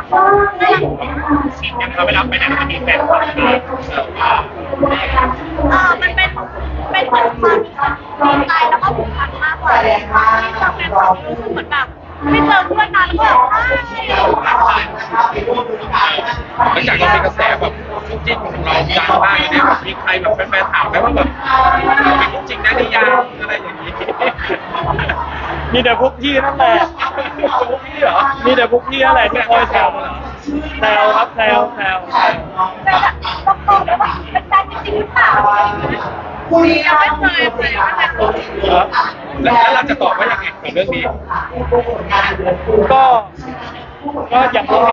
อย่างเราไปรับไปไหนก็มีแฟนคลับมันเป็นเหมือนความดีใจแล้วก็ผูกพันมากกว่าที่เราเป็นความรู้สึกเหมือนแบบไม่เจอเพื่อนนานแล้วแบบหลังจากเรามีกระแสแบบคู่จิ้นของเราดังมากเนี่ยมีใครแบบแฟนๆถามไหมว่าแบบเป็นคู่จริงได้หรือยังอะไรอย่างนี้มีแต่พวกพี่นั่นแหละพวกพี่เหรอมีแต่พวกพี่นั่นแหละที่คอยแซวแซวครับแซวเป็นแบบตรงๆแล้วแบบเป็นแฟนจริงๆหรือเปล่ายังไม่เคยเลยแล้วเราจะตอบว่ายังไงกับเรื่องนี้ก็ก็อย่าง